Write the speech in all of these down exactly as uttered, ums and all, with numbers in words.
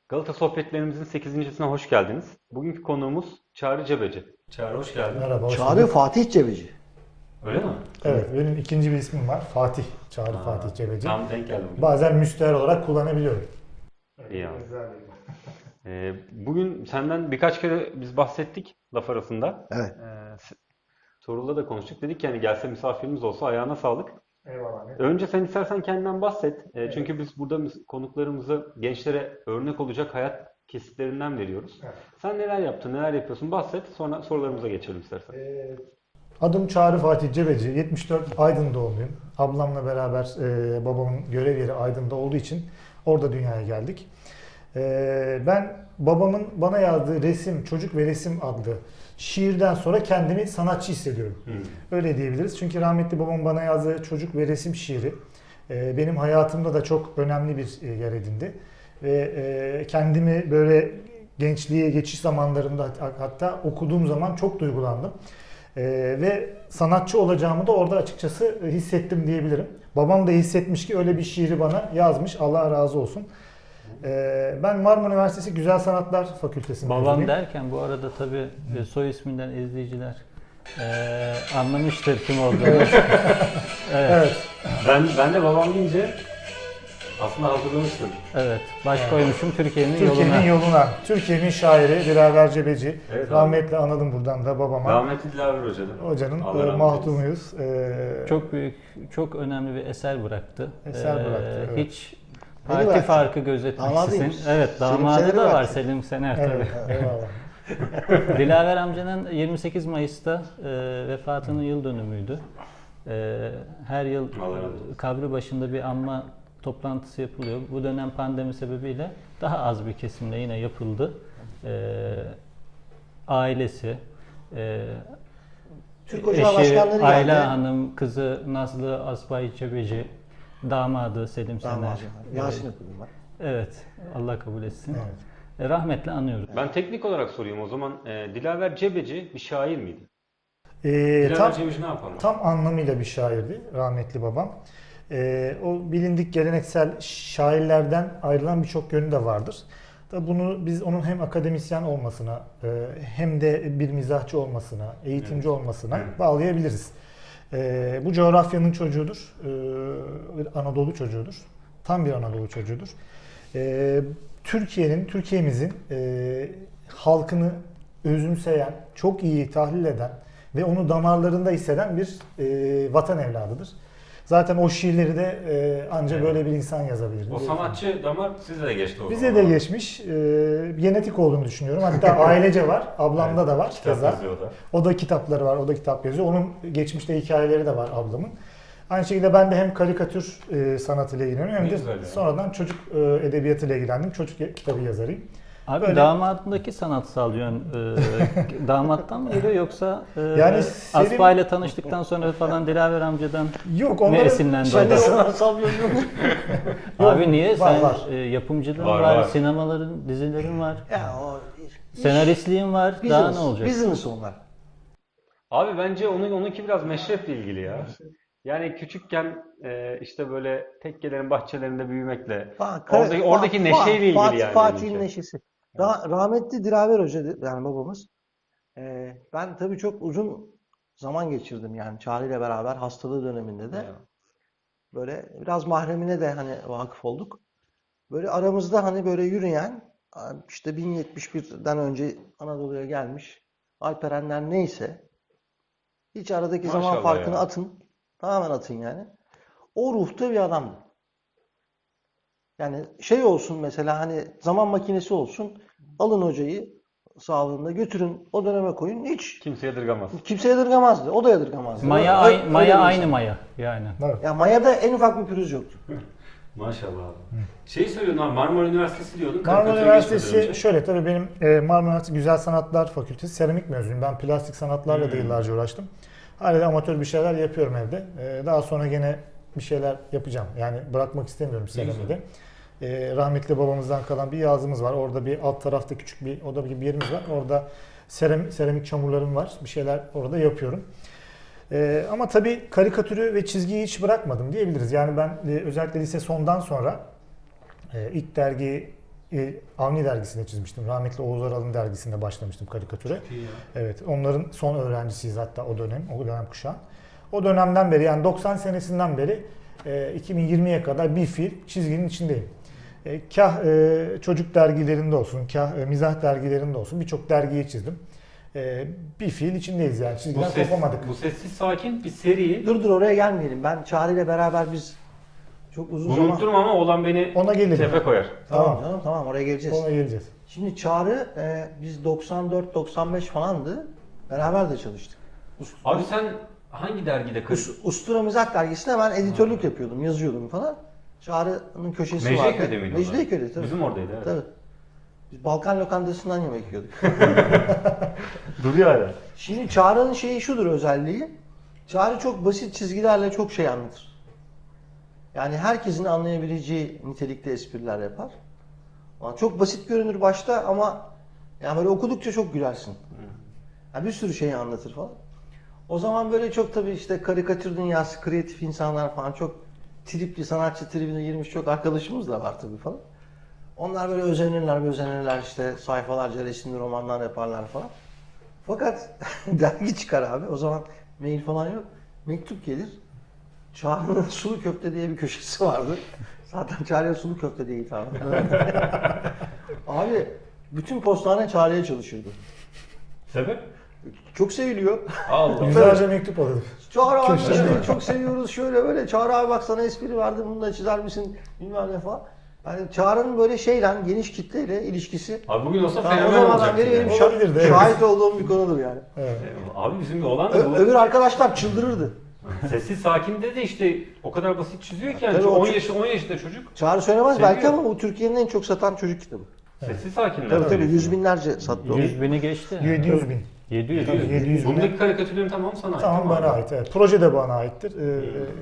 Galata Sohbetlerimizin sekizincisine hoş geldiniz. Bugünkü konuğumuz Çağrı Cebeci. Çağrı hoş geldin. Merhaba, hoş Çağrı bulduk. Fatih Cebeci. Öyle mi? Evet, benim ikinci bir ismim var. Fatih. Çağrı Aa, Fatih Cebeci. Tam denk geldim. Bazen müstehar olarak kullanabiliyorum. İyi abi. Ee, bugün senden birkaç kere biz bahsettik laf arasında. Evet. Ee, s- Tuğrul'la da konuştuk. Dedik ki hani gelse misafirimiz olsa ayağına sağlık. Eyvallah. Önce sen istersen kendinden bahset. Ee, Çünkü biz burada mis- konuklarımızı gençlere örnek olacak hayat kesitlerinden veriyoruz. Evet. Sen neler yaptın, neler yapıyorsun bahset. Sonra sorularımıza geçelim istersen. Adım Çağrı Fatih Cebeci. yetmiş dört Aydın doğumluyum. Ablamla beraber e, babamın görev yeri Aydın'da olduğu için orada dünyaya geldik. E, ben babamın bana yazdığı resim, Çocuk ve Resim adlı şiirden sonra kendimi sanatçı hissediyorum. Hmm. Öyle diyebiliriz. Çünkü rahmetli babam bana yazdığı Çocuk ve Resim şiiri e, benim hayatımda da çok önemli bir e, yer edindi. Ve e, kendimi böyle gençliğe geçiş zamanlarında hat- hatta okuduğum zaman çok duygulandım. E, ve sanatçı olacağımı da orada açıkçası hissettim diyebilirim. Babam da hissetmiş ki öyle bir şiiri bana yazmış. Allah razı olsun. E, ben Marmara Üniversitesi Güzel Sanatlar Fakültesi Babam mezunuyum. derken bu arada tabii e, soy isminden izleyiciler e, anlamıştır kim olduğunu. Evet. Evet. Ben, ben de babam deyince aslında hazırlamıştım. Evet. Baş koymuşum Türkiye'nin Türkiye'nin yoluna. yoluna. Türkiye'nin şairi Dilaver Cebeci. Evet abi. Rahmetli analım buradan da babama. Rahmetli Dilaver Hoca'nın. Hocanın Allah e, rahmet mahdumuyuz. E, Çok büyük, çok önemli bir eser bıraktı. Eser bıraktı, evet. Hiç Beni parti bıraktı. farkı gözetmeksizin. Damadıymış. Evet, Selim damadı Sener'i da var bıraktı. Selim Sener evet, tabii. eyvallah. Dilaver amcanın yirmi sekiz Mayıs'ta e, vefatının yıl dönümüydü. E, her yıl Allah razı olsun. kabri başında bir anma toplantısı yapılıyor. Bu dönem pandemi sebebiyle daha az bir kesimle yine yapıldı. E, ailesi, e, Türk Ocağı başkanları geldi. Ayla Hanım, kızı Nazlı Asbay Cebeci, damadı Selim Sener. Damadı. Yasin okudum ben. Evet, Allah kabul etsin. Evet. E, rahmetle anıyoruz. Ben teknik olarak sorayım o zaman. E, Dilaver Cebeci bir şair miydi? E, Dilaver tam, Cebeci ne yapalım? tam anlamıyla bir şairdi rahmetli babam. E, o bilindik geleneksel şairlerden ayrılan birçok yönü de vardır. Tabii bunu biz onun hem akademisyen olmasına e, hem de bir mizahçı olmasına, eğitimci olmasına Evet. bağlayabiliriz. E, bu coğrafyanın çocuğudur. E, bir Anadolu çocuğudur. Tam bir Anadolu çocuğudur. E, Türkiye'nin, Türkiye'mizin e, halkını özümseyen, çok iyi tahlil eden ve onu damarlarında hisseden bir e, vatan evladıdır. Zaten o şiirleri de e, ancak Evet. böyle bir insan yazabilir. O sanatçı damar size de geçti o Bize zaman. de geçmiş. E, genetik olduğunu düşünüyorum. Hatta ailece var. Ablamda Evet, da var. kitap Keza. yazıyor da. O da kitapları var. O da kitap yazıyor. Onun geçmişte hikayeleri de var ablamın. Aynı şekilde ben de hem karikatür e, sanatıyla ilgileniyorum hem Ne de güzel ya. sonradan çocuk e, edebiyatıyla ilgilendim. Çocuk kitabı yazarıyım. Abi Böyle- damadındaki sanatsal yön e, damattan mı geliyor yoksa e, Yani Selim- Aspa ile tanıştıktan sonra falan Dilaver amcadan Yok mı onların esinlendi Sen de o da? sanatsal yönü yok. Abi niye? var, Sen var. e, yapımcılığın Var, var, var. sinemaların, dizilerin var, Ya o iş- senaristliğin var. Daha business, ne olacak? Business onlar. Abi bence onun onunki biraz meşreple ilgili ya. Yani küçükken e, işte böyle tekkelerin bahçelerinde büyümekle Fa- kare- oradaki, oradaki Fa- neşeyle ilgili Fatih- yani. Fatih'in benimki. neşesi. Ra- rahmetli Dilaver Hoca yani babamız. Ee, ben tabii çok uzun zaman geçirdim yani Çağrı ile beraber hastalığı döneminde de. Böyle biraz mahremine de hani vakıf olduk. Böyle aramızda hani böyle yürüyen işte bin yetmiş birden önce Anadolu'ya gelmiş Alperenler neyse hiç aradaki zaman Maşallah farkını ya. atın. Tamamen atın yani. O ruhta bir adamdı. Yani şey olsun mesela hani zaman makinesi olsun. Alın hocayı sağlığında götürün o döneme koyun. Hiç Kimse yadırgamaz. kimse yadırgamazdı. O da yadırgamazdı. Maya, Öyle- ay- öyle maya bir aynı insan. maya yani. Evet. Ya Maya'da en ufak bir pürüz yoktu. Maşallah abi. Şeyi söylüyordun abi Marmara Üniversitesi diyordun. Marmara karikatüre geçmeden Üniversitesi önce. şöyle tabii benim e, Marmara Üniversitesi Güzel Sanatlar Fakültesi seramik mezunuyum. Ben plastik sanatlarla da Hmm. yıllarca uğraştım. Hala da amatör bir şeyler yapıyorum evde. E, daha sonra gene bir şeyler yapacağım. Yani bırakmak istemiyorum seramiği de. E, rahmetli babamızdan kalan bir yazımız var. Orada bir alt tarafta küçük bir oda gibi bir yerimiz var. Orada seramik, seramik çamurlarım var. Bir şeyler orada yapıyorum. E, ama tabii karikatürü ve çizgiyi hiç bırakmadım diyebiliriz. Yani ben e, özellikle lise sondan sonra e, ilk dergi e, Avni dergisinde çizmiştim. Rahmetli Oğuz Aral'ın dergisinde başlamıştım karikatüre. Evet, onların son öğrencisiyiz hatta o dönem, o dönem kuşağı. O dönemden beri yani doksan senesinden beri e, iki bin yirmiye kadar bir fiil çizginin içindeyim. E, kah e, çocuk dergilerinde olsun, kah e, mizah dergilerinde olsun birçok dergiyi çizdim. E, bir fiil içindeyiz yani Bu, çizgiden ses, kopamadık. bu sessiz sakin bir seri. Dur dur oraya gelmeyelim. Ben Çağrı ile beraber biz çok uzun Bunu zaman... unutturma ama olan beni Ona gelelim. tepe koyar. Tamam Tamam. canım tamam oraya geleceğiz. Ona geleceğiz. Şimdi Çağrı e, biz doksan dört doksan beş falandı. Beraber de çalıştık. Ust- Abi sen hangi dergide kız? Us- Ustura Mizah dergisine ben editörlük yapıyordum, yazıyordum falan. Çağrı'nın köşesi vardı. Mecidiyeköy'de miydi o zaman? Mecidiyeköy'de tabii. Bizim oradaydı evet. Tabii. Biz Balkan lokantasından yemek yiyorduk. Duruyor hala. Şimdi Çağrı'nın şeyi şudur özelliği. Çağrı çok basit çizgilerle çok şey anlatır. Yani herkesin anlayabileceği nitelikte espriler yapar. Ama çok basit görünür başta ama yani böyle okudukça çok gülersin. Yani bir sürü şeyi anlatır falan. O zaman böyle çok tabii işte karikatür dünyası, kreatif insanlar falan çok tripli, sanatçı tribine girmiş çok arkadaşımız da var tabii falan. Onlar böyle özenirler, özenirler işte sayfalarca resimli romanlar yaparlar falan. Fakat dergi çıkar abi. O zaman mail falan yok. Mektup gelir. Çağrı'nın sulu köfte diye bir köşesi vardı. Zaten Çağrı'ya sulu köfte diye hitap Abi bütün postane Çağrı'ya çalışırdı. Sebep? Çok seviliyor. Allah. Yüzlerce mektup alırdık. Çağrı abi Köşe. işte çok seviyoruz şöyle böyle. Çağrı abi bak sana espri verdim bunu da çizer misin bilmem ne falan. Yani Çağrı'nın böyle şeyle geniş kitleyle ilişkisi. Abi bugün olsa Tamam, o fenomen zamandan olacaktı beri benim yani. şa- Olabilirdi, evet. şahit olduğum bir konudur yani. Evet. Abi bizim bir olan da Ö- bu. öbür arkadaşlar çıldırırdı. Sessiz sakinde de işte o kadar basit çiziyor ki yani Tabii o on ço- yaşında on yaşında çocuk. Çağrı söylemez Seviyor. belki ama bu Türkiye'nin en çok satan çocuk kitabı. Sessiz sakinler. Tabii tabii öyle. yüz binlerce sattı o. yüz bini geçti. yedi yüz bin. yedi yüz. Tabii, yedi yüz bin. Bundaki karikatürlerin tamamı sana ait. Tamam değil mi bana abi? ait. Evet. Proje de bana aittir. Ee,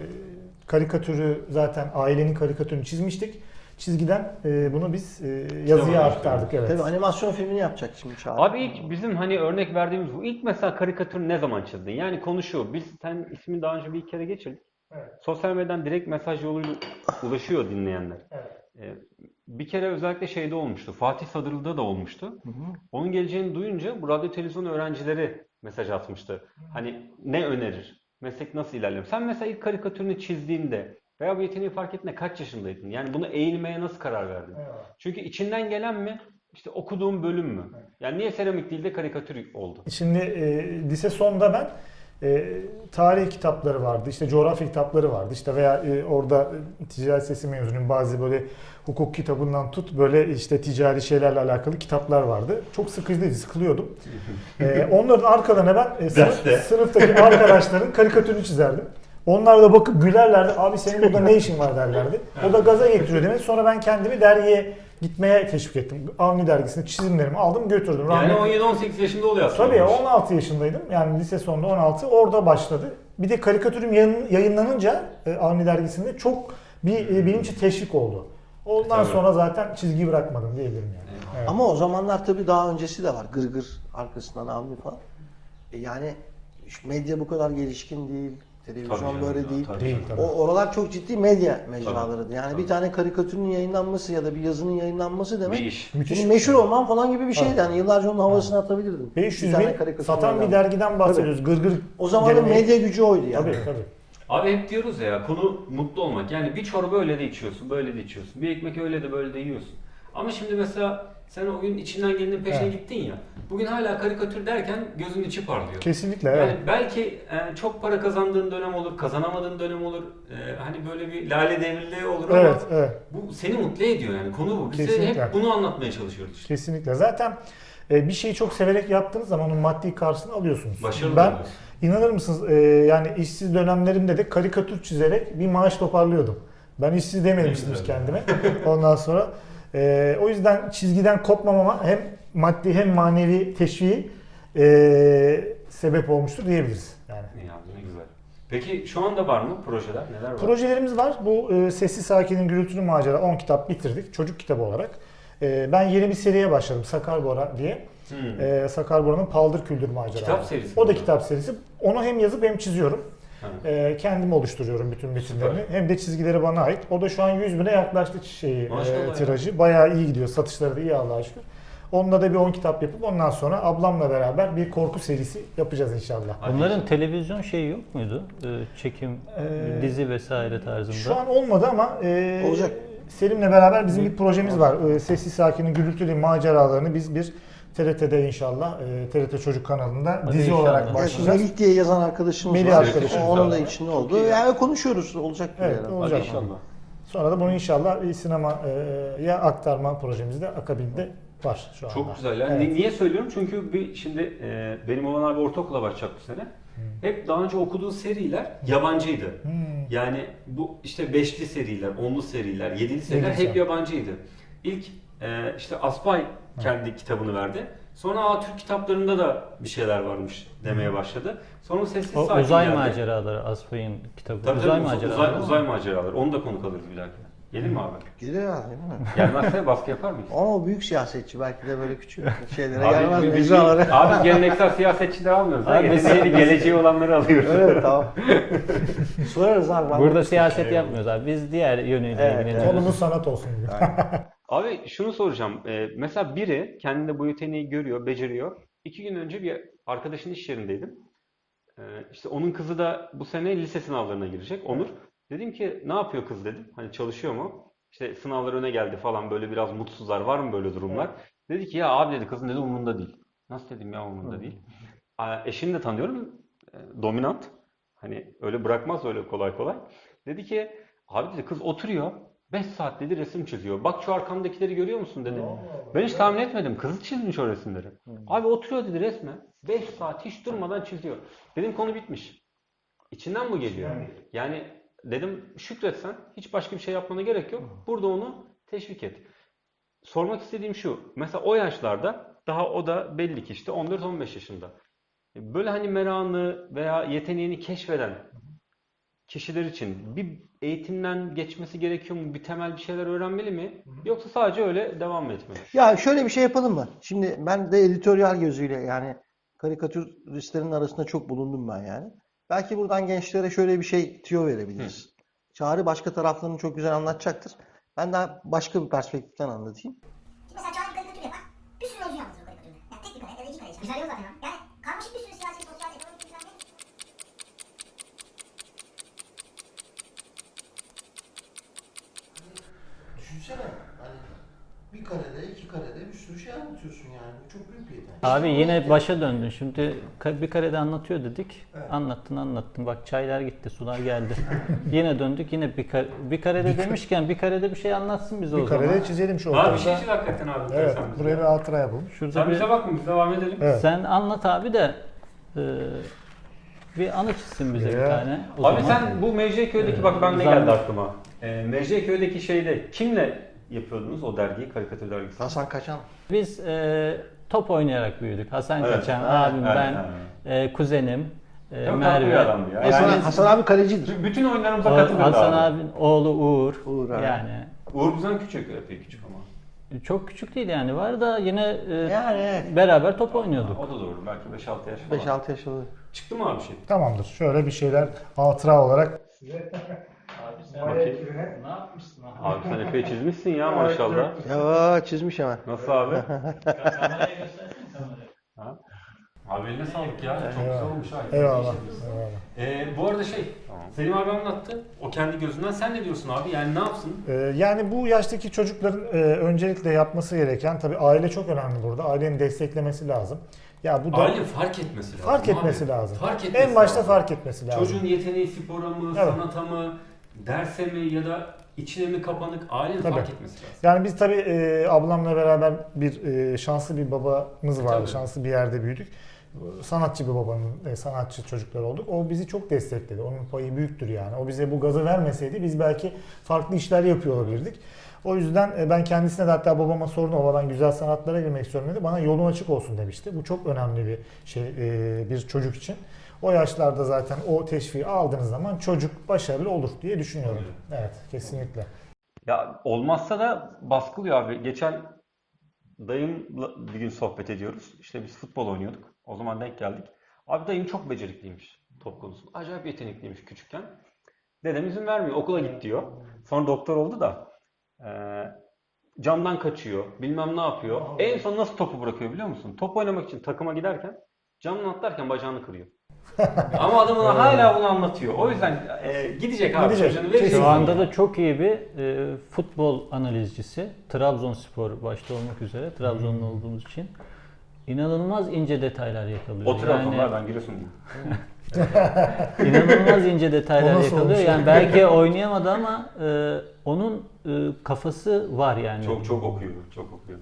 karikatürü zaten ailenin karikatürünü çizmiştik. Çizgiden e, bunu biz e, yazıya Sinemaya aktardık. Evet. Tabii animasyon filmini yapacak şimdi Çağrı. Abi ilk bizim hani örnek verdiğimiz bu. İlk mesela karikatürü ne zaman çizdin? Yani konu şu. Biz sen ismini daha önce bir kere geçirdik. Evet. Sosyal medyadan direkt mesaj yoluyla ulaşıyor dinleyenler. Evet. Ee, bir kere özellikle şeyde olmuştu. Fatih Sadırlı'da da olmuştu. Onun geleceğini duyunca bu radyo televizyon öğrencileri mesaj atmıştı. Hani ne önerir? Meslek nasıl ilerler? Sen mesela ilk karikatürünü çizdiğinde veya bu yeteneği fark ettiğinde kaç yaşındaydın? Yani bunu eğilmeye nasıl karar verdin? Evet. Çünkü içinden gelen mi? İşte okuduğum bölüm mü? Yani niye seramik değil de karikatür oldu? Şimdi e, lise sonda ben e, tarih kitapları vardı, işte coğrafya kitapları vardı, işte veya e, orada e, ticaret sesi mezunuyum bazı böyle hukuk kitabından tut böyle işte ticari şeylerle alakalı kitaplar vardı. Çok sıkıcıydı, sıkılıyordum. e, onların arkalarına ben e, sınıf, Derste. sınıftaki arkadaşların karikatürünü çizerdim. Onlar da bakıp gülerlerdi. Abi senin burada ne işin var derlerdi. O da gaza getiriyor demek. Sonra ben kendimi dergiye gitmeye teşvik ettim. Avni dergisinde çizimlerimi aldım götürdüm. Yani Rahmetli- on yedi on sekiz yaşında oluyor aslında. Tabii bu iş. on altı yaşındaydım. Yani lise sonunda on altı orada başladı. Bir de karikatürüm yayın- yayınlanınca e, Avni dergisinde çok bir e, benim için teşvik oldu. Ondan Tabii. sonra zaten çizgiyi bırakmadım diyebilirim yani. Evet. Ama o zamanlar tabii daha öncesi de var. Gırgır arkasından Avni falan. E yani şu medya bu kadar gelişkin değil. Tabii Televizyon canım böyle ya, değil. tabii Değil canım. tabii. O oralar çok ciddi medya mecralarıydı. Yani Tabii. bir tane karikatürün yayınlanması ya da bir yazının yayınlanması demek Bir iş. Müthiş senin bir meşhur şey. olman falan gibi bir şeydi. Yani yıllarca onun havasını atabilirdin. beş yüz Bir tane bin karikatür satan bir yayınlandı. dergiden bahsediyoruz. Gırgır O zamanın geleneği. medya gücü oydu yani. Tabii tabii. Abi hep diyoruz ya konu mutlu olmak. Yani bir çorba öyle de içiyorsun, böyle de içiyorsun. Bir ekmek öyle de böyle de yiyorsun. Ama şimdi mesela sen o gün içinden gelenin peşine Evet. gittin ya. Bugün hala karikatür derken gözünün içi parlıyor. Kesinlikle Yani evet. belki e, çok para kazandığın dönem olur, kazanamadığın dönem olur. E, hani böyle bir lale devirli olur ama Evet, evet. bu seni mutlu ediyor yani konu bu. Biz de Kesinlikle. hep bunu anlatmaya çalışıyoruz işte. Kesinlikle. Zaten e, bir şeyi çok severek yaptığınız zaman onun maddi karşılığını alıyorsunuz. Başarılı Ben oluyorsun. inanır mısınız e, yani işsiz dönemlerimde de karikatür çizerek bir maaş toparlıyordum. Ben işsiz dememiştim Ne güzel. kendime. Ondan sonra e, o yüzden çizgiden kopmamama hem maddi hem manevi teşviği e, sebep olmuştur diyebiliriz. Yani. İyi abi, ne güzel. Peki şu anda var mı projeler? Neler var? Projelerimiz var. Bu e, Sessiz Sakin'in Gürültülü Macera on kitap bitirdik. Çocuk kitabı olarak. E, ben yeni bir seriye başladım. Sakar Bora diye. Hmm. E, Sakar Bora'nın Paldır Küldür Maceraları. Kitap serisi O da mi? kitap serisi. Onu hem yazıp hem çiziyorum. E, kendim oluşturuyorum bütün metinlerini. Hem de çizgileri bana ait. O da şu an yüz bine yaklaştı şeyi, e, tirajı. Bayağı iyi gidiyor. Satışları da iyi Allah'a şükür. Onunla da bir on kitap yapıp ondan sonra ablamla beraber bir korku serisi yapacağız inşallah. Bunların televizyon şeyi yok muydu? Ee, çekim, Ee, dizi vesaire tarzında. Şu an olmadı ama e, Olacak. Selim'le beraber bizim bir projemiz var. E, Sessiz Sakin'in gürültülü maceralarını biz bir T R T'de inşallah, e, T R T Çocuk kanalında Hadi dizi inşallah. olarak Evet, Evet, başlayacağız. Melih diye yazan arkadaşımız Melih var. arkadaşımız Onun da var. içinde oldu. Yani konuşuyoruz. Olacak bir Evet, ara. olacak. Hadi inşallah. Sonra da bunu inşallah bir sinemaya aktarma projemiz de akabinde var şu anda. Çok güzel. Yani Evet. Niye söylüyorum? Çünkü bir şimdi e, benim olan abi ortaokula başlayacak bu sene. Hep daha önce okuduğu seriler yabancıydı. Hmm. Yani bu işte beşli seriler, onlu seriler, yedili seriler Yedili hep seri. yabancıydı. İlk e, işte Aspay kendi kitabını verdi. Sonra Aa, Türk kitaplarında da bir şeyler varmış demeye başladı. Sonra Sessiz O, Sakin uzay geldi. maceraları Aspay'ın kitabı. Tabii, uzay tabii, maceraları. uzay, değil mi? uzay maceraları. Onu da konuk alırız bir dahakine. Gelir mi abi? Gelir ya, değil mi? Gelmezse baskı yapar mıyız? Ama o büyük siyasetçi. Belki de böyle küçük şeylere Abi, gelmez. biz- biz- mecralara. abi geleneksel siyasetçi de almıyoruz. Abi, Abi, biz- Yeteneği, geleceği olanları alıyoruz. Evet, tamam. Sorarız abi. ben Burada de- siyaset yapmıyoruz abi. Biz diğer yönüyle Evet, ilgileniyoruz. Konumuz sanat olsun gibi. Abi şunu soracağım. Ee, mesela biri kendinde bu yeteneği görüyor, beceriyor. İki gün önce bir arkadaşın iş yerindeydim. Ee, işte onun kızı da bu sene lise sınavlarına girecek. Onur. Dedim ki ne yapıyor kız dedim. Hani çalışıyor mu? İşte sınavlar öne geldi falan böyle biraz mutsuzlar. Var mı böyle durumlar? Dedi ki ya abi dedi kızın dedi umurunda değil. Nasıl dedim ya umurunda değil. Aa, eşini de tanıyorum. e, Dominant. Hani öyle bırakmaz öyle kolay kolay. Dedi ki abi dedi kız oturuyor. beş saat dedi resim çiziyor. Bak şu arkamdakileri görüyor musun dedi. Ben hiç tahmin etmedim. Kızı çizmiş o resimleri. Abi oturuyor dedi resme. beş saat hiç durmadan çiziyor. Dedim konu bitmiş. İçinden bu geliyor. Yani dedim şükretsen hiç başka bir şey yapmana gerek yok. Burada onu teşvik et. Sormak istediğim şu. Mesela o yaşlarda daha o da belli ki işte on dört on beş yaşında. Böyle hani merakını veya yeteneğini keşfeden kişiler için bir eğitimden geçmesi gerekiyor mu? Bir temel bir şeyler öğrenmeli mi? Yoksa sadece öyle devam mı etmeli? Ya şöyle bir şey yapalım mı? Şimdi ben de editoryal gözüyle yani karikatüristlerin arasında çok bulundum ben yani. Belki buradan gençlere şöyle bir şey tüyo verebiliriz. Çağrı başka taraflarını çok güzel anlatacaktır. Ben daha başka bir perspektiften anlatayım. Şimdi mesela Çağrı bir karikatür yapar. Bir sürü mevzu anlatır o karikatürde. Yani tek bir kare ya da iki kare. Güzel yok zaten. Yani karmaşık bir sürü siyasi, sosyal, ekonomik gündemde. Düşünsene hani bir karede, iki karede bir sürü şey anlatıyorsun yani. Bu çok büyük bir yetenek. Abi yine başa döndün. Şimdi ka- bir karede anlatıyor dedik. Anlattın anlattın. Bak çaylar gitti, sular geldi. Yine döndük. Yine bir, kar- bir karede demişken bir karede bir şey anlatsın bize o Bir zaman. karede çizelim şu Abi ortamda. bir şey çiz hakikaten abi. Evet, Sen bize. buraya bir hatıra yapalım. Şurada Sen bir, bize bakma biz devam edelim. Evet. sen anlat abi de e, bir anı çizsin bize bir Ya. tane. O Abi zaman. sen bu Mecidiyeköy'deki bak ben ne geldi aklıma. Ee, Mecidiyeköy'deki şeyde kimle yapıyordunuz o dergiyi, karikatür dergisi? Hasan Kaçan. Biz e, top oynayarak büyüdük. Hasan Evet. Kaçan, Evet, abim, evet, ben, evet. e, kuzenim, e, Çok tatlı Merve. bir adamdı ya. Hasan, Yani- Hasan abi kalecidir. Bütün oyunlarımıza O- katılıyordu Hasan abi. abinin oğlu Uğur. Uğur, evet. Yani Uğur bizden küçük, epey küçük ama. çok küçük değil yani. Var da yine e, Yani evet. beraber top oynuyorduk. O da doğru. Belki beş altı yaş falan. beş altı yaşında. Çıktı mı abi şey? Tamamdır. Şöyle bir şeyler hatıra olarak. Bakayım. Ne yapmışsın Abi sen epey çizmişsin ya maşallah. Ya çizmiş hemen. Nasıl abi? Kamerayı göstersene kamerayı. Ha? Abi eline sağlık ya. Çok güzel Eyvallah. olmuş ha. Eyvallah. İyi çizmişsin. Eyvallah. Ee, bu arada şey, Selim abi anlattı. O kendi gözünden. Sen ne diyorsun abi? Yani ne yapsın? Ee, yani bu yaştaki çocukların e, öncelikle yapması gereken tabii aile çok önemli burada. Ailenin desteklemesi lazım. Ya bu da Aile fark etmesi lazım. fark abi. etmesi lazım. Fark etmesi En başta lazım. fark etmesi lazım. Çocuğun yeteneği spora mı, Evet. sanata mı, derse mi ya da içine mi kapanık ailenin Tabii. fark etmesi lazım. Yani biz tabii e, ablamla beraber bir e, şanslı bir babamız vardı. Tabii. Şanslı bir yerde büyüdük. Sanatçı bir babanın, e, sanatçı çocuklar olduk. O bizi çok destekledi. Onun payı büyüktür yani. O bize bu gazı vermeseydi biz belki farklı işler yapıyor olabilirdik. O yüzden e, ben kendisine de hatta babama sordum. Baba ben güzel sanatlara girmek istiyorum dedi. Bana yolun açık olsun demişti. Bu çok önemli bir şey e, bir çocuk için. O yaşlarda zaten o teşviği aldığınız zaman çocuk başarılı olur diye düşünüyorum. Evet, kesinlikle. Ya olmazsa da baskılıyor abi. Geçen dayımla bir gün sohbet ediyoruz. İşte biz futbol oynuyorduk. O zaman denk geldik. Abi dayım çok becerikliymiş. top konusunda. Acayip yetenekliymiş küçükken. Dedem izin vermiyor. Okula git diyor. Sonra doktor oldu da e, camdan kaçıyor. Bilmem ne yapıyor. En son nasıl topu bırakıyor biliyor musun? Top oynamak için takıma giderken camdan atlarken bacağını kırıyor. Ama adam ona hala bunu anlatıyor. O yüzden e, gidecek abi. Gidecek. Çocuğunu verecek. Şu anda da çok iyi bir e, futbol analizcisi. Trabzonspor başta olmak üzere. Trabzonlu olduğumuz için. İnanılmaz ince detaylar yakalıyor. O Trabzonlar Yani ben Giresunluyum. inanılmaz ince detaylar O nasıl yakalıyor. olmuş? Yani belki oynayamadı ama e, onun e, kafası var yani. Çok çok okuyor, çok okuyor.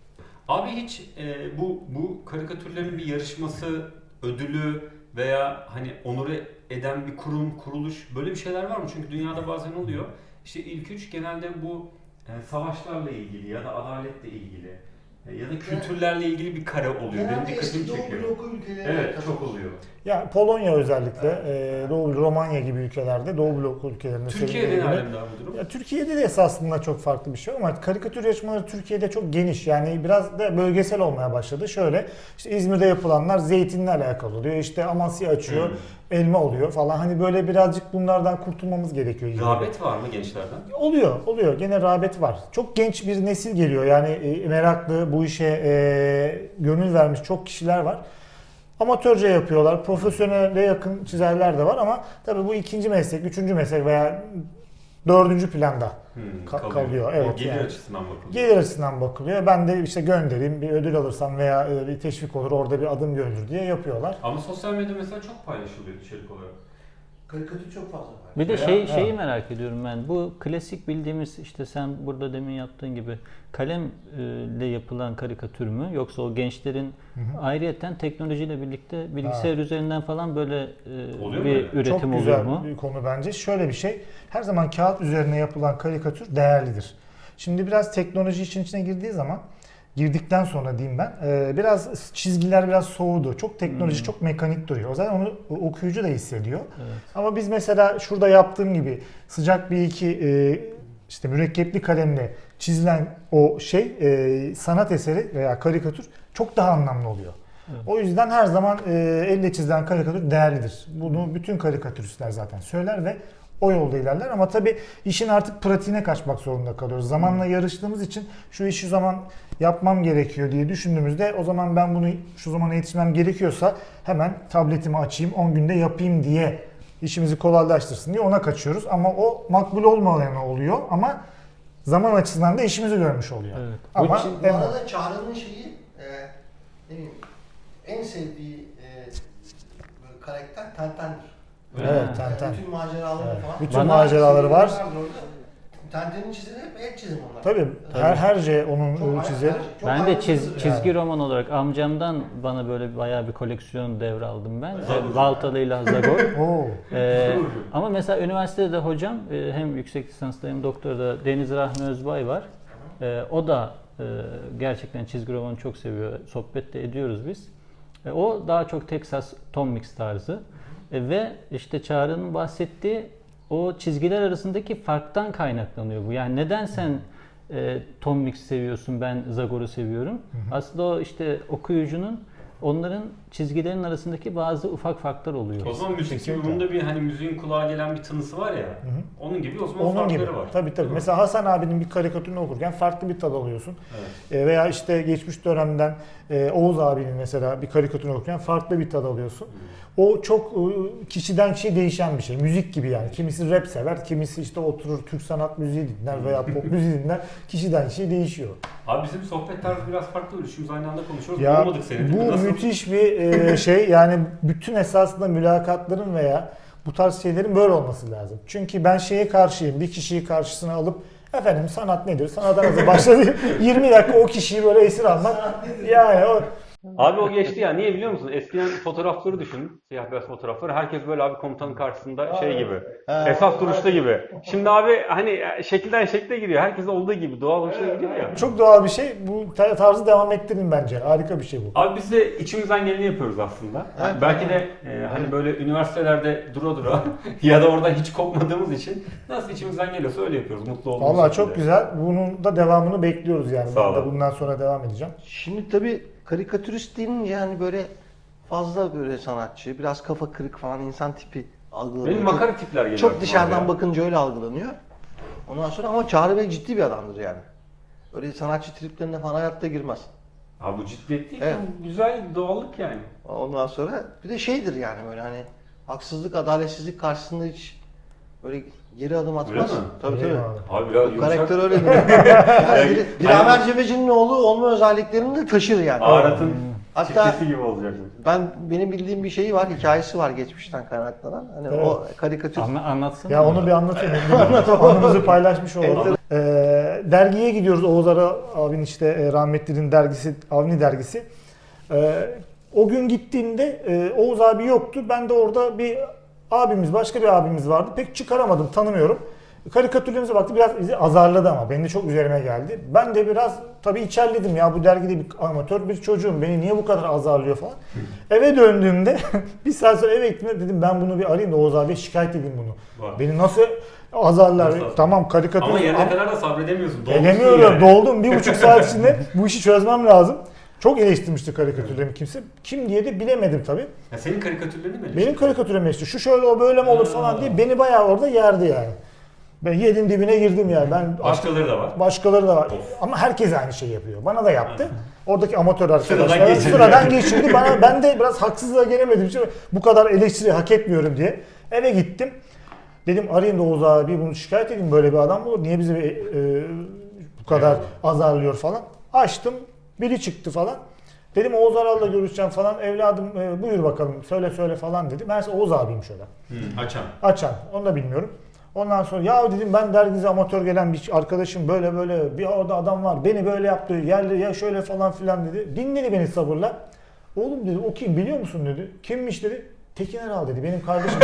Abi hiç e, bu bu karikatürlerin bir yarışması, ödülü veya hani onur eden bir kurum, kuruluş böyle bir şeyler var mı? Çünkü dünyada bazen oluyor. İşte ilk üç genelde bu e, savaşlarla ilgili ya da adaletle ilgili e, ya da kültürlerle ilgili bir kare oluyor. Benim Genelde dikkatimi eski Doğu çekiyor. bloku ülkeleri Evet, katılıyor. çok oluyor. Ya Polonya özellikle, e, Doğu Romanya gibi ülkelerde, Doğu blok ülkelerinde Türkiye'de ne sevildiğini- alemde abi bu durum? Ya Türkiye'de de esasında çok farklı bir şey ama karikatür yarışmaları Türkiye'de çok geniş. Yani biraz da bölgesel olmaya başladı. Şöyle işte İzmir'de yapılanlar zeytinle alakalı oluyor. İşte Amasya açıyor, Hmm. elma oluyor falan. Hani böyle birazcık bunlardan kurtulmamız gerekiyor. yine de. Rağbet var mı gençlerden? Oluyor, oluyor. Gene rağbet var. Çok genç bir nesil geliyor. Yani e, meraklı, bu işe e, gönül vermiş çok kişiler var. Amatörce yapıyorlar. Profesyonele yakın çizerler de var ama tabii bu ikinci meslek, üçüncü meslek veya dördüncü planda Hmm, ka- kalıyor. Evet, o gelir yani. açısından bakılıyor. Gelir açısından bakılıyor. Ben de işte göndereyim, bir ödül alırsam veya e, bir teşvik olur, orada bir adım görülür diye yapıyorlar. Ama sosyal medya mesela çok paylaşılıyor içerik olarak. Karikatür çok fazla var. Bir de Ya, şey ha. şeyi merak ediyorum ben. Bu klasik bildiğimiz işte sen burada demin yaptığın gibi kalemle yapılan karikatür mü yoksa o gençlerin ayrıyeten teknolojiyle birlikte bilgisayar üzerinden falan böyle e, Oluyor mu bir öyle? üretim Çok oluyor güzel mu? bir konu bence. Şöyle bir şey, her zaman kağıt üzerine yapılan karikatür değerlidir. Şimdi biraz teknoloji işin içine girdiği zaman, girdikten sonra diyeyim ben, e, biraz çizgiler biraz soğudu. Çok teknoloji, Hmm. çok mekanik duruyor. O zaman onu okuyucu da hissediyor. Evet. Ama biz mesela şurada yaptığım gibi sıcak bir iki e, işte mürekkepli kalemle çizilen o şey e, sanat eseri veya karikatür çok daha anlamlı oluyor. Evet. O yüzden her zaman e, elle çizilen karikatür değerlidir. Bunu bütün karikatüristler zaten söyler ve o yolda ilerler ama tabii işin artık pratiğine kaçmak zorunda kalıyoruz. Zamanla yarıştığımız için şu işi şu zaman yapmam gerekiyor diye düşündüğümüzde o zaman ben bunu şu zamana yetişmem gerekiyorsa hemen tabletimi açayım on günde yapayım diye işimizi kolaylaştırsın diye ona kaçıyoruz. Ama o makbul olmayan oluyor ama zaman açısından da işimizi görmüş oluyor. Evet. Ama Bu en- arada Çağrı'nın şeyi e, ne bileyim, en sevdiği e, böyle karakter Tenten'dir. evet, Ha. Tenten. Bütün maceraları Evet. falan. Bütün Bana- maceraları var. Tenten'in çizimi hep el çizimi onlar. Tabii her herce onun Çok e, çizeri. ayrı- çok Ben de ayrıntılı çiz, yani. çizgi roman olarak amcamdan bana böyle bayağı bir koleksiyon devraldım ben. Zagor. Baltalı ile Zagor. Oo. Ee, ama mesela üniversitede de hocam e, hem yüksek lisansda hem doktorada Deniz Rahmi Özbay var. Ee, o da e, gerçekten çizgi romanı çok seviyor. Sohbet de ediyoruz biz. E, o daha çok Texas Tom Mix tarzı. E, ve işte Çağrı'nın bahsettiği o çizgiler arasındaki farktan kaynaklanıyor bu. Yani neden sen e, Tom Mix seviyorsun, ben Zagor'u seviyorum. Aslında o işte okuyucunun onların çizgilerin arasındaki bazı ufak farklar oluyor. O zaman müzik gibi Kesinlikle. bunda bir hani müziğin kulağa gelen bir tınısı var ya. Onun gibi o zaman Onun farkları gibi. var. Tabii tabii. Değil mi? Mesela Hasan abinin bir karikatürünü okurken farklı bir tad alıyorsun. Evet. E, veya işte geçmiş dönemden e, Oğuz abinin mesela bir karikatürünü okurken farklı bir tad alıyorsun. O çok e, kişiden kişiye değişen bir şey. Müzik gibi yani. Kimisi rap sever, kimisi işte oturur Türk sanat müziği dinler veya pop müziği dinler. Kişiden kişiye değişiyor. Abi bizim sohbet tarzı biraz farklı. Üçümüz aynı anda konuşuyoruz. Ya Olmadık senin. bu Nasıl? müthiş bir e, şey. Yani bütün esasında mülakatların veya bu tarz şeylerin böyle olması lazım. Çünkü ben şeye karşıyım. Bir kişiyi karşısına alıp efendim sanat nedir? Sanat nasıl başladı? yirmi dakika o kişiyi böyle esir almak. Yani o Abi o geçti ya. Niye biliyor musun? Eskiden fotoğrafları düşün. Siyah beyaz fotoğrafları. Herkes böyle abi komutanın karşısında şey gibi. Esas duruşta gibi. Şimdi abi hani şekilden şekle giriyor. Herkes olduğu gibi. Doğal hoşuna gidiyor ya. çok doğal bir şey. Bu tarzı devam ettirin bence. Harika bir şey bu. Abi biz de içimizden geleni yapıyoruz aslında. Evet. Belki de e, hani böyle üniversitelerde dura dura ya da orada hiç kopmadığımız için nasıl içimizden geliyorsa öyle yapıyoruz. Mutlu olduğumuz Vallahi çok şekilde. güzel. Bunun da devamını bekliyoruz yani. Sağ Ben de olun. bundan sonra devam edeceğim. Şimdi tabii karikatürist deyince yani böyle fazla böyle sanatçı, biraz kafa kırık falan insan tipi algılanıyor. Benim Çok- makara tipler geliyor. Çok aklıma dışarıdan ya. bakınca öyle algılanıyor. Ondan sonra ama Çağrı Bey ciddi bir adamdır yani. Öyle sanatçı triplerine falan hayatta girmez. Abi bu ciddiyet değil. Evet. Bu güzel doğallık yani. Ondan sonra bir de şeydir yani böyle hani haksızlık, adaletsizlik karşısında hiç böyle geri adım atmaz. Öyle mi? Tabii Öyle tabii. abi. Abi biraz Bu yumuşak. karakter öyledir. Yani bir, Dilaver Cebeci'nin oğlu olma özelliklerini de taşır yani. Arat'ın Hatta- çiftesi gibi olacak. Ben benim bildiğim bir şeyi var, hikayesi var geçmişten kaynaklanan. Hani Evet. o karikatür. Anla, anlatsana. Ya onu bir anlatayım. Anımızı paylaşmış olalım. Ee, dergiye gidiyoruz. Oğuz Ara abinin işte e, rahmetlinin dergisi, Avni dergisi. Ee, o gün gittiğimde e, Oğuz abi yoktu. Ben de orada bir abimiz, başka bir abimiz vardı. Pek çıkaramadım, tanımıyorum. Karikatürlerimize baktı, biraz bizi azarladı ama benim de çok üzerime geldi. Ben de biraz tabii içerledim, ya bu dergide bir amatör bir çocuğum, beni niye bu kadar azarlıyor falan. Eve döndüğümde bir saat sonra eve gittiğimde dedim ben bunu bir arayayım da Oğuz abiye şikayet edeyim bunu. Var. Beni nasıl azarlar? Nasıl? Tamam karikatür. Ama yerine kadar da sabredemiyorsun. Dolmuşsun Edemiyorum, yani. doldum. Bir buçuk saat içinde bu işi çözmem lazım. Çok eleştirmişti karikatürlerimi kimse. Kim diye de bilemedim tabii. Ya senin karikatürlerini mi? Benim karikatürüm işte şu şöyle o böyle mi olur falan diye beni bayağı orada yerdi yani. Ben yerin dibine girdim yani. Ben Başkaları da var. Başkaları da var. Of. Ama herkes aynı şeyi yapıyor. Bana da yaptı. Oradaki amatör Sıradan arkadaşlar geçirdi. sıradan geçirdi. Bana, ben de biraz haksızlığa gelemedim. Şimdi bu kadar eleştiri hak etmiyorum diye. Eve gittim. Dedim arayayım da Oğuz abi bunu şikayet edeyim. Böyle bir adam mı olur? Niye bizi e, bu kadar Evet. azarlıyor falan. Açtım. Biri çıktı falan. Dedim Oğuz Aral'la görüşeceğim falan. Evladım e, buyur bakalım söyle söyle falan dedi. Ben Oğuz abiyim şöyle. Hı, açan. Açan. Onu da bilmiyorum. Ondan sonra ya dedim ben dergide amatör gelen bir arkadaşım böyle böyle bir orada adam var. Beni böyle yaptı. Yerli ya şöyle falan filan dedi. Dinledi beni sabırla. Oğlum dedi o kim biliyor musun dedi. Kimmiş dedi. Tekin Eral dedi benim kardeşim.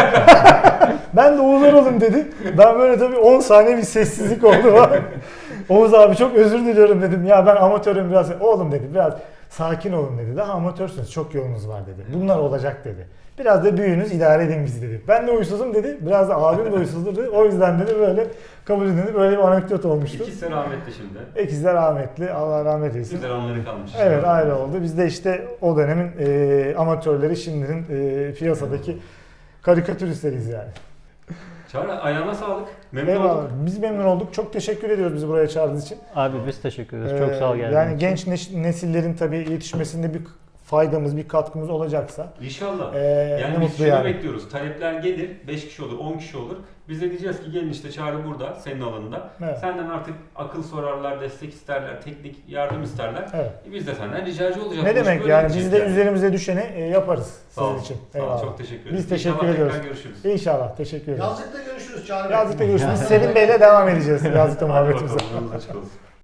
Ben de Oğuz Aral'ım dedi. Ben böyle tabii on saniye bir sessizlik oldu. Oğuz abi çok özür diliyorum dedim. Ya ben amatörüm biraz. Oğlum dedi biraz sakin olun dedi. Daha amatörsünüz çok yolunuz var dedi. Bunlar olacak dedi. Biraz da büyüğünüz idare edin bizi dedi. Ben de uysuzum dedi. Biraz da abim de uysuzdur dedi. O yüzden dedi böyle kabul edildi. Böyle bir anekdot olmuştu. İkisi rahmetli şimdi. İkizler rahmetli. Allah rahmet eylesin. Güzel anları kalmış. Evet ayrı oldu. Biz de işte o dönemin e, amatörleri şimdinin e, piyasadaki karikatüristleriyiz yani. Çağrı ayağına sağlık. Memnun Eyvallah. olduk. Biz memnun olduk. Çok teşekkür ediyoruz bizi buraya çağırdığınız için. Abi biz teşekkür ederiz. Çok sağ ol Ee, geldiğin Yani için. genç neş- nesillerin tabii yetişmesinde bir faydamız, bir katkımız olacaksa İnşallah. e, Yani ne biz mutlu şunu yani. bekliyoruz. Talepler gelir. beş kişi olur, on kişi olur. Biz de diyeceğiz ki gelin işte Çağrı burada, senin alanında. Evet. Senden artık akıl sorarlar, destek isterler, teknik yardım isterler. Evet. E Biz de senden ricacı olacağız. Ne Bu iş demek böyle yani gidecek biz de yani. üzerimize düşeni e, yaparız Sağ ol. sizin için. Sağ ol. Eyvallah. Çok teşekkür ederiz. Biz teşekkür İnşallah ediyoruz. tekrar görüşürüz. İnşallah teşekkür ederiz. Yazlıkta görüşürüz Çağrı Bey. Yazlıkta görüşürüz. Selim Bey'le devam edeceğiz Yazlıkta Hadi muhabbetimize. bakalım. Yolunuz açık olsun.